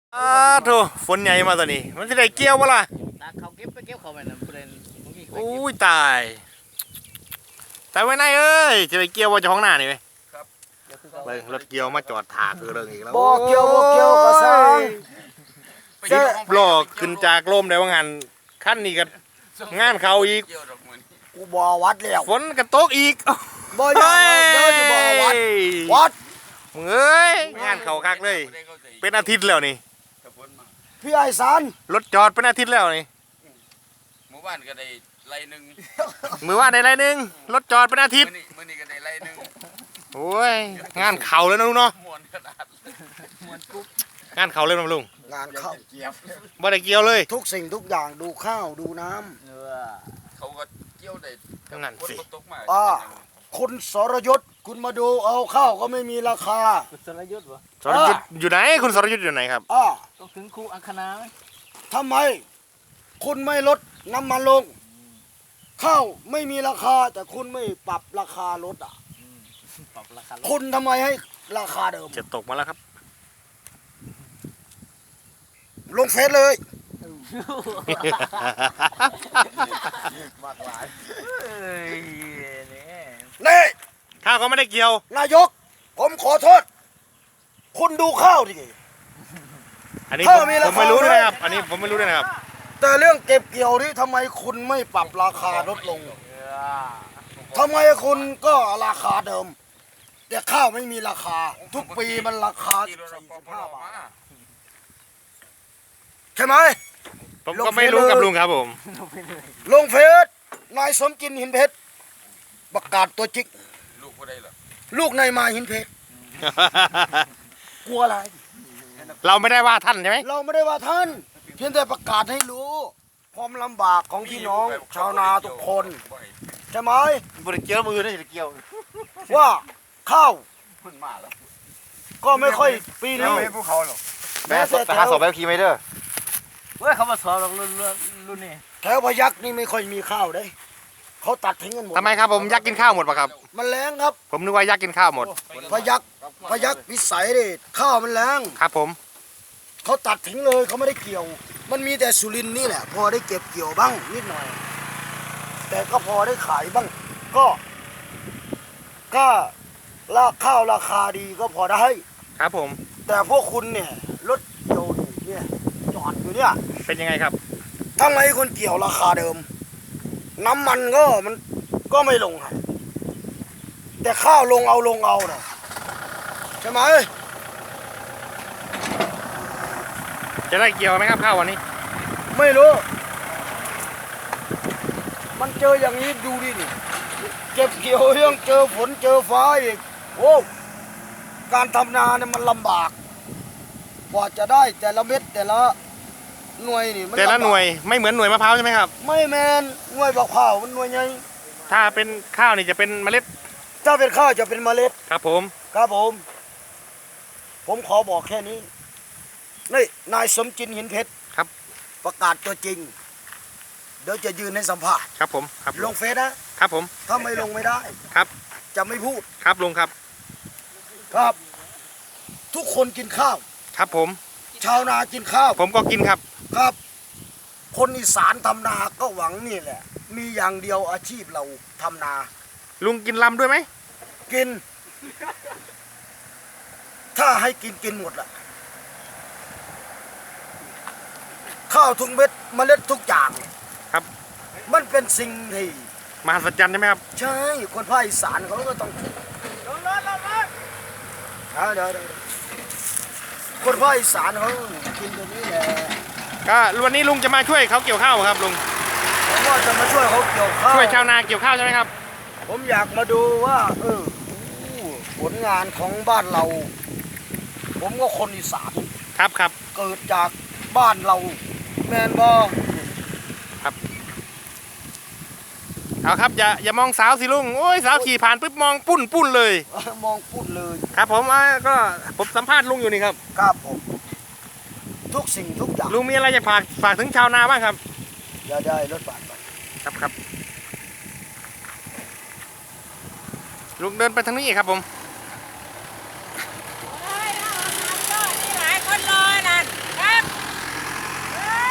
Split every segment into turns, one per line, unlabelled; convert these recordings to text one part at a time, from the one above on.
โถฝนใหญ่มาตอนนี้มันจะได้เกี่ยววะล่ะ
ตาเขาเก็บไปเก็บเขาไปนะประเด็นมันมีใครเก็บ
อุ้ยตายไว้ไหนเอ้ยจะไปเกี่ยวว่าจะห้องหน้านี่ไหมเบิ่งรถเกี่ยวมาจอดถากคือเรื่องอีกแล้ว
บ่เกี่ยวกระซัง
โลกขึ้นจากลมได้ว่างานขั้นนี้กันงานเขาอีก
กูบ่วัดแล้ว
ฝนกันตกอีก
บ่อยากเด้อจะบ่วัด
มึงเอ้ยงานเขาคักเลย เป็นอาทิตย์แล้วนี่
พี่ไอ้สาร
รถจอดเป็นอาทิตย์แล้วนี่
หมู่บ้านก็ได้ไร่หนึ่ง
มือว่าได้ไรหนึงรถจอดเป็นอาทิตย์
มื้อนี้ก็ได้ไร่หนึ่ง
โอ้ยงานเขาเลยนะลุงเนาะ
มวนกระดาษ
งานเขาเลยนะลุง
งานเข้า
เกียบ
บ่ได้เกี่ยวเลย
ทุกสิ่งทุกอย่างดูข้าวดูน้ำ
เขาก็เกี่ยวได้
นั่นสิ
ฝตกมา
คุณสรยศคุณมาดูเอาข้าวก็ไม่มีราคา
สรยุทธ์วะ
สรยุทธ์อยู่ไหนคุณสรยุทธ์อยู่ไหนครับ
ต้องถึงครูอังคณาไหม
ทำไม คุณไม่ลดน้ำมันลง ข้าวไม่มีราคาแต่คุณไม่ปรับราคารถอ่ะ
ปรับราคา
คุณทำไมให้ราคาเดิม
จะตกมาแล้วครับ
ลงเฟซเลย
มากหลายเนี่ย
นี่
ข้าวก็ไม่ได้เกี่ยวน
ายก ผมขอโทษ คุณดูข้าวดิ
อันนี้
ข้าว
ผม
มีราคา
ไม่รู้ด้วยนะครับ อันนี้ผมไม่รู้ด้วยนะครับ
แต่เรื่องเก็บเกี่ยวนี่ทำไมคุณไม่ปรับราคาลดลงทำไมคุณก็ราคาเดิม แต่ข้าวไม่มีราคา ทุกปีมันราคา
ที่รถปภ
45 บาท
มา
ใช่ไหม
ผม
ลง
ก็ไม่รู้
เฟซเลย
กับลุงครับผม
ลงเฟซนายสมกินหินเพชรประกาศตัวจิก
ลูกบ่ได้หรอก
ลูกนายมาหินเพชรกลัวอะไร
เราไม่ได้ว่าท่านใช่ไหม
เราไม่ได้ว่าท่าน เพียงแต่ประกาศให้รู้ความลำบากของพี่น้องชาวนาทุกคนใช่ไหม
บริเกี่ยวมือนะจะเกี่ยว
ว่าข้าว
เพิ่นมาแล้ว
ก็ไม่ค่อยปีนี้
ไม่พวกเขาหรอก
แม้แต่แถว
ขี่ไม่เด้อ
เว้ยเขามาสอนเรารุ่นนี่
แถวพยักนี่ไม่ค่อยมีข้าวได้เขาตัดทิ้งกันหมด
ทำไมครับผมยักษ์กินข้าวหมดปะครับ
มันแรงครับ
ผมนึกว่ายักษ์กินข้าวหมด
พยักพิสัยดิข้าวมันแรง
ครับผม
เขาตัดทิ้งเลยเขาไม่ได้เกี่ยว มันมีแต่สุรินทร์นี่แหละ พอได้เก็บเกี่ยวบ้างนิดหน่อย แต่ก็พอได้ขายบ้าง ก็ข้าวราคาดีก็พอได้
ครับผม
แต่พวกคุณเนี่ยรถเกี่ยวเนี่ยจอดอยู่เนี่ย
เป็นยังไงครับ
ทำไมคนเกี่ยวราคาเดิม น้ำมันมันก็ไม่ลงครับแต่ข้าวลงเอานะใช่ไหม
จะได้เกี่ยวไหมครับข้าววันนี้
ไม่รู้ มันเจออย่างนี้ดูดิเก็บเกี่ยวยังเจอฝนเจอฟ้าอีกโอ้การทำนาเนี่ยมันลำบากกว่าจะได้แต่ละเม็ดแต่ละหน่วยนี่มัน
แต่ละ
ำบาก
หน่วยไม่เหมือนหน่วยมะพร้าวใช่ไหมครับ
ไม่แมนหน่วยบักข้าวมันหน่วยใหญ่
ถ้าเป็นข้าวนี่จะเป็นเมล็ด
ถ้าเป็นข้าวจะเป็นเมล็ด
ครับผม
ครับผมขอบอกแค่นี้นี่นายสมจินหินเพชร
ครับ
ประกาศตัวจริง เดี๋ยวจะยืนให้สัมภาษณ์
ครับผมครับ
ลงเฟซนะครับ
ผม
ถ้าไม่ลงไม่ได้
ครับ
จะไม่พูด
ครับลุงครับ
ครับ ทุกคนกินข้าว
ครับผม
ชาวนากินข้าว
ผมก็กินครับ
ครับ คนอีสานทำนาก็หวังนี่แหละ มีอย่างเดียวอาชีพเราทำนา
ลุงกินลำด้วยไหม
กิน ถ้าให้กินหมดละข้าวทุกเม็ดเมล็ดทุกอย่าง
ครับ
มันเป็นสิ่งที่
มหัศจรรย์ใช่ไหมครับ
ใช่ คนภาคอีสานเขาก็ต้องเดี๋ยวคนภาคอีสานเขากินตัวนี้แหละ
ก็วันนี้ลุงจะมาช่วยเขาเกี่ยวข้าวครับลุง
ผมว่าจะมาช่วยเขาเกี่ยวข้าว
ช่วยชาวนาเกี่ยวข้าวใช่ไหมครับ
ผมอยากมาดูว่าผลงานของบ้านเรา ผมก็คนอีสาน
ครับครับ
เกิดจากบ้านเรา แมนบอ
เอาครับอย่ามองสาวสิลุงโอ้ยสาวขี่ผ่านปุ๊บมองปุ้นเลย
มองพูดเลย
ครับผมก็ผมสัมภาษณ์ลุงอยู่นี่ครับ
ครับผม ทุกสิ่งทุกอย่าง
ลุงมีอะไรจะฝากถึงชาวนาบ้างครับ
อย่าได้รถบาดไป
ครับลุงเดินไปทางนี้ครับผม
หลายคนรอนั่นได้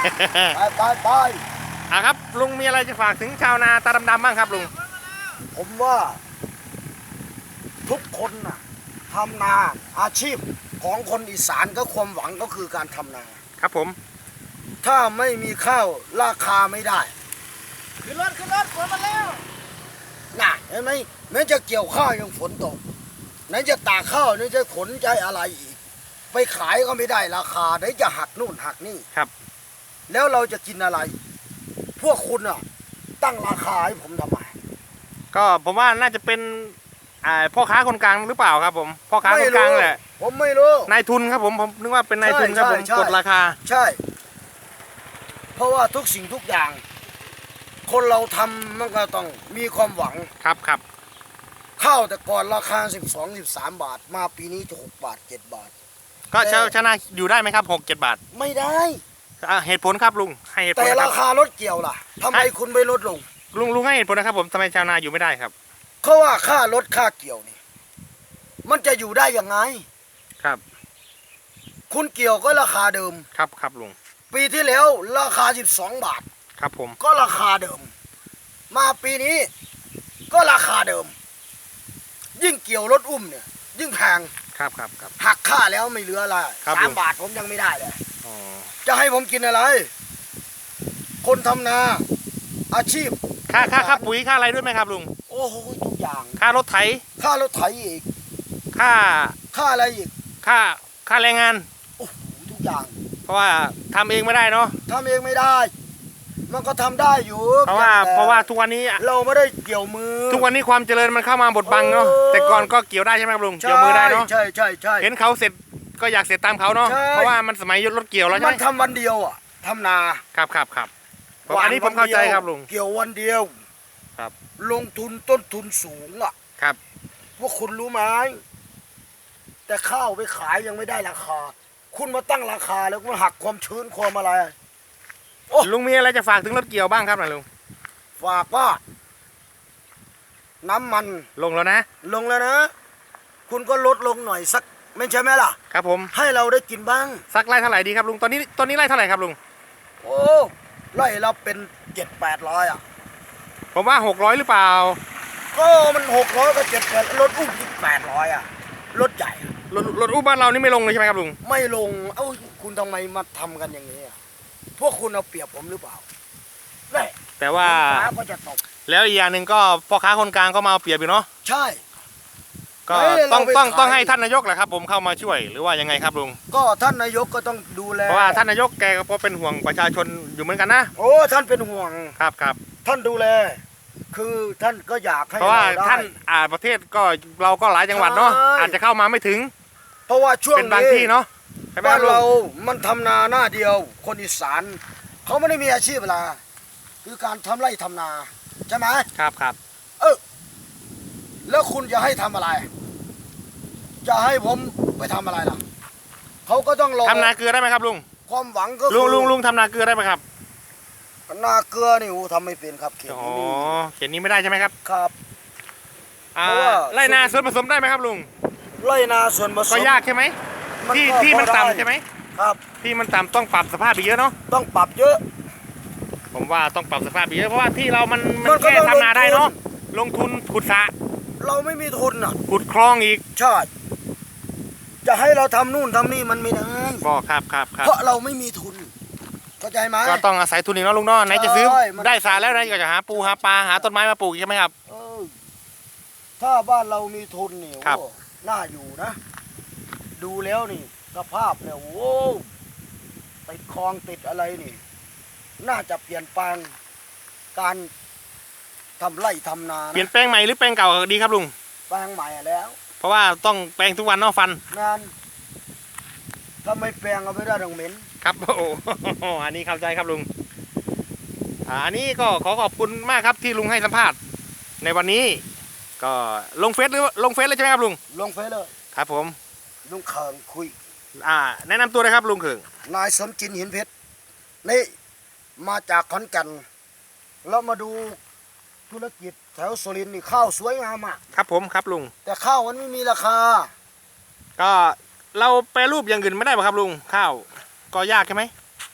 ไป
อ่ะครับลุงมีอะไรจะฝากถึงชาวนาตาดำๆบ้างครับลุง
ผมว่าทุกคนน่ะทำนาอาชีพของคนอีสานก็ความหวังก็คือการทำนา
ครับผม
ถ้าไม่มีข้าวราคาไม่ได้
ขึ้นรถฝนมาแล้ว
น่ะเห็นไหมแม้จะเกี่ยวข้าวยังฝนตกไหนจะตากข้าวไหนจะขนใจอะไรอีก ไปขายก็ไม่ได้ราคาไหนจะหักนู่นหักนี่
ครับ
แล้วเราจะกินอะไร พวกคุณอ่ะ ตั้งราคาให้ผมทำไม
ก็ผมว่าน่าจะเป็นพ่อค้าคนกลางหรือเปล่าครับผมพ่อค้าคนกลางแหละ
ผมไม่รู้
นายทุนครับผมนึกว่าเป็นนายทุนครับผม
ใช่
กดราคา
ใช่ เพราะว่าทุกสิ่งทุกอย่าง คนเราทำมันก็ต้องมีความหวัง
ครับครับ
ข้าวแต่ก่อนราคา12-13 บาท มาปีนี้จะ6 บาท 7 บาท
ก็ชนะอยู่ได้ไหมครับ6-7 บาท
ไม่ได้
เหตุผลครับลุงให้เหตุผล
แต่
นะค
รา
รับ
คารถเกี่ยวล่ะทำไมคุณไม่ลดลง
ลุงให้เหตุผลนะครับผมทำไมชาวนาอยู่ไม่ได้ครับ
เพราะว่าค่ารถค่าเกี่ยวนี่ มันจะอยู่ได้ยังไง
ครับ
คุณเกี่ยวก็ราคาเดิม
ครับครับลุง
ปีที่แล้วราคา12 บาท
ครับผม
ก็ราคาเดิม มาปีนี้ก็ราคาเดิม ยิ่งเกี่ยวรถอุ้มเนี่ย ยิ่งแพง
ครับครับครับ
หักค่าแล้วไม่เหลืออะไร
ครับ
สา
ลุ
ม
ง
บาทผมยังไม่ได้เลย
อ๋อ
จะให้ผมกินอะไร คนทำนา อาชีพ
ค่าปุ๋ยค่าอะไรด้วยไหมครับลุง
โอ้โหทุกอย่าง
ค่ารถไถ
ค่ารถไถอีก
ค่า
ค่าอะไรอีก
ค่าแรงงาน
โอ้โหทุกอย่าง
เพราะว่าทำเองไม่ได้เนาะ
ทำเองไม่ได้ มันก็ทำได้อยู่
เพราะว่า
แต่
เพราะว่าทุกวันนี้
เราไม่ได้เกี่ยวมือ
ทุกวันนี้ความเจริญมันเข้ามาบดบังเนาะ
เออ
แต่ก่อนก็เกี่ยวได้ใช่ไหมครับลุงเกี่ยวมือได้เนาะ
ใช่ใช่ใช่
เห็นเขาเสร็จก็อยากเสร็จตามเขาเนาะ
ใช่
เพราะว่ามันสมัยรถเกี่ยวแล้วใช่
มั
ไห
น
ม
ทำวันเดียวอ่ะทำนา
ครับอันนี้ผมเข้าใจครับลุง
เกี่ยววันเดียว
ครับ
ลงทุนต้นทุนสูงอ่ะ
ครับ
พวกคุณรู้ไหมแต่ข้าวไปขายยังไม่ได้ราคา คุณมาตั้งราคาแล้วมันหักความชื้นความอะไร โอ้
ลุงมีอะไรจะฝากถึงรถเกี่ยวบ้างครับนะลุง
ฝากว่า น้ำมัน
ลงแล้วนะ
ลงแล้วนะ คุณก็ลดลงหน่อยสัก ไม่ใช่ไหมล่ะ
ครับผม
ให้เราได้กินบ้าง
สักไร่เท่าไหร่ดีครับลุงตอนนี้ไร่เท่าไหร่ครับลุง
โอ้ไล่เราเป็น700-800อ่ะ
ผมว่า600หรือเปล่า
ก็มัน600กับ700รถอุ้มที่800อ่ะรถใหญ่อะ
รถอู้บ้านเรานี่ไม่ลงเลยใช่ไหมครับลุง
ไม่ลง เอ้าคุณทำไมมาทำกันอย่างนี้อะพวกคุณเอาเปรียบผมหรือเปล่าได้
แต่ว่า
ฟ้าก็จะตก
แล้วอีกอย่างหนึ่งก็พ่อค้าคนกลางก็มาเอาเปรียบอยู่เนาะ
ใช่
ก็
เฮ้ย
ต้อง
เราไป
ต้อง
ขาย
ต้องให้ท่านนายกแหละครับผมเข้ามาช่วยหรือว่ายังไงครับลุง
ก็ท่านนายกก็ต้องดูแล
เพราะว่าท่านนายกแกก็เป็นห่วงประชาชนอยู่เหมือนกันนะ
โอ้ท่านเป็นห่วง
ครับ
ท่านดูแล คือท่านก็อยากให้
เพราะว่า
ได้
ท่านประเทศก็เราก็หลายจังหวัดเนาะ
ใช่
อาจจะเข้ามาไม่ถึง
เพราะว่าช่วง
เป็นบาง
นี้
ที่เนาะใช่ไหมค
บ้า
รับลุง
นเรามันทำนาหน้าเดียว คนอีสานเขาไม่ได้มีอาชีพอะไรคือการทำไร่ทำนาใช่ไหม
ครับ
แล้วคุณจะให้ทำอะไร จะให้ผมไปทำอะไรล่ะเขาก็ต้องรอ
ทำนาเกลือได้ไหมครับลุง
ความหวังก็
ลุ
คื
งทำนาเกลือได้ไหมครับ
นาเกลือนี่โอ้ทำไม่เป็นครับเขต
อ๋อ
นี้
เขียนนี้ไม่ได้ใช่ไหมครับ
ครับ
อ่า
เพราะว่า
ไรนาส่วนผสมได้ไหมครับลุง
ไร่นาส่วนผสม
ก็ยากใช่ไหม
ก็
ที่มัน
พอได้
ต่ำใช่ไหม
ครับ
ที่มันต่ำต้องปรับสภาพไปเยอะเนาะ
ต้องปรับเยอะ
ผมว่าต้องปรับสภาพไปเยอะเพราะว่าที่เรามัน
มันก็
แค่
ต้อง
ทำนาได้เนาะ
ลงทุน
ลงทุนขุดสระ
เราไม่มีทุนอ่ะ
ขุดคลองอีก
ใช่จะให้เราทำนู่นทำนี่มันไม่ได้
ก็ครับ
เพราะเราไม่มีทุนเข้าใจไหม
ก็ต้องอาศัยทุนอีกเนาะลุงเนาะไหนจะซื้อ
ใช่มัน
ได้สระแล้วไหนก็จะหาปูหาปลาหาต้นไม้มาปลูกอีกใช่ไหมครับ
เออถ้าบ้านเรามีทุนนี่
ครับ
โอ้น่าอยู่นะ ดูแล้วนี่สภาพเนี่ยโอ้ติดคลองติดอะไรนี่ น่าจะเปลี่ยนแปลงการทำไร่ทำนา
เปลี่ยน
นะ
แปลงใหม่หรือแปลงเก่าดีครับลุง
แปลงใหม่แล้ว
เพราะว่าต้องแปลงทุกวันเนาะฟัน
งานถ้าไม่แปลงเอาไม่ได้ดอกเหม็น
ครับ โอ้โหอันนี้เข้าใจครับลุงอันนี้ก็ขอขอบคุณมากครับที่ลุงให้สัมภาษณ์ในวันนี้ ก็ลงเฟซหรือลงเฟซเลยใช่ไหมครับลุง
ลงเฟซเลย
ครับผม
ลุงเขิงคุย
แนะนำตัวเลยครับลุงเขิง
นายสมจินหินเพชรนี่มาจากขอนแก่นแล้วมาดูธุรกิจแถวสุรินทร์นี่ข้าวสวยงามอ่ะ
ครับผมครับลุง
แต่ข้าวมันไม่มีราคา
ก็เราแปรรูปอย่างอื่นไม่ได้ป่ะครับลุงข้าวก็ยากใช่ไหม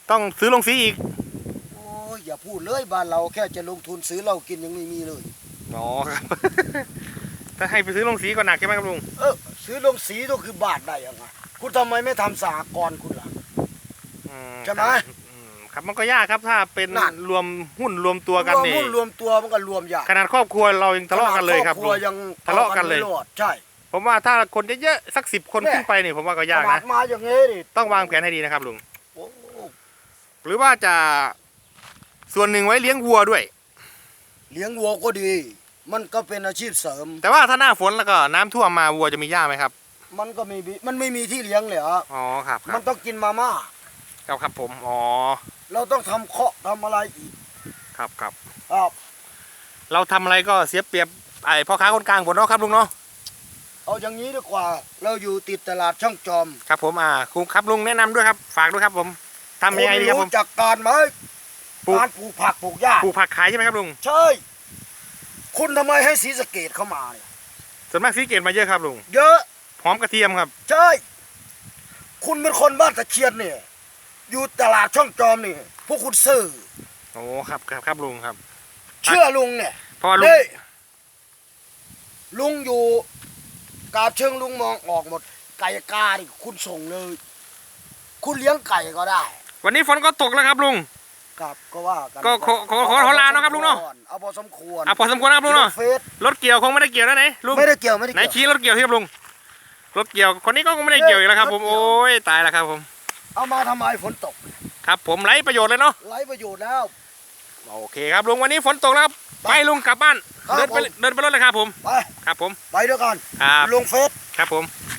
ต้องซื้อลงสีอีก
โอ้ยอย่าพูดเลยบ้านเราแค่จะลงทุนซื้อเหล้ากินยังไม่มีเลย
อ๋อครับ ถ้าให้ไปซื้อลงสีก็หนักใช่ไหมครับลุง
ซื้อลงสีก็คือบาทได้ยังไงคุณทำไมไม่ทำสหกรณ์คุณล่ะ ใช่ไหม
ครับมันก็ยากครับถ้าเป็น
นั่น
รวมหุ้นรวมตัวกัน
รวม
นี่
หุ้นรวมตัวมันก็รวมยาก
ขนาดครอบครัวเรายังทะเลาะกันเลยครับ
ขนาดครอบครัว
ลุง
ยัง
ทะเลาะกันเลย
ไม่รอดใช่
ผมว่าถ้าคนเยอะๆสัก10 คน
แน่
ขึ้นไปนี่ผมว่าก็ยาก
ขนา
นะ
ดมาอย่างนี้ดิ
ต้องวางแผนให้ดีนะครับลุง
โอ้
หรือว่าจะส่วนหนึ่งไว้เลี้ยงวัวด้วย
เลี้ยงวัวก็ดี มันก็เป็นอาชีพเสริม
แต่ว่าถ้าหน้าฝนแล้วก็น้ำท่วมมาวัวจะมีหญ้าไหมครับ
มันก็มันไม่มีที่เลี้ยงเลยเหรอ
อ๋อครับค
มั
รั
น
บ
ต้องกินมาม่า
ครับผมอ๋อ
เราต้องทำเคาะทำอะไรอีก
ครับครับ
ครับ
เราทำอะไรก็เสียเปรียบไอ้พ่อค้าคนกลางหมดเนาะครับลุงเนาะ
เอาอย่างนี้ดีกว่า เราอยู่ติดตลาดช่องจอม
ครับผมคุณครับลุงแนะนำด้วยครับฝากด้วยครับผมทำยังไงดีครับผม
รู้จักการไหม
ปลูก
การปลูกผักปลูกหญ้า
ปลูกผักขายใช่ไหมครับลุง
ใช่ คุณทำไมให้ศรีสะเกดเข้ามาเนี่ย
ส่วนมากซื้อเกตมาเยอะครับลุง
เยอะ
หอมกระเทียมครับ
ใช่ คุณเป็นคนบ้านตะเคียนเนี่ย อยู่ตลาดช่องจอมนี่ พวกคุณซื่อ
โอ้ครับครับลุงครับ
เชื่อลุงเนี่ย
เพราะว่าลุง
เฮ้ยลุงอยู่กาบเชิงลุงมองออกหมด ไก่กาดิคุณส่งเลย คุณเลี้ยงไก่ก็ได้
วันนี้ฝนก็ตกแล้วครับลุง
ครับก็ว่ากัน
ก็ขอลาเนาะครับลุงเนาะ
เอาพอสมควร
พอสมควรนะครับลุงเนาะ
เฟซ
รถเกี่ยวคงไม่ได้เกี่ยวแล้วไหนลุง
ไม่ได้เกี่ยวไม่ได้
ไหน
เกี่ยว
ชี้รถเกี่ยวที่ครับลุงรถเกี่ยวคนนี้ก็คงไม่ได้เกี่ยวอีกแล้วครับผม
รถเกี่ยว
โอ้ยตายแล้วครับผม
เอามาทำไมฝนตก
ครับผมไร้ประโยชน์เลยเนาะ
ไร้ประโยชน์แล้ว
โอเคครับลุงวันนี้ฝนตกแล้วครับไปลุงกลับบ้าน
ครับ
เดินไปรถเลยครับผม
ไป
ครับผม
ไปด้วยกัน
ครับ
ลงเฟซ
ครับผม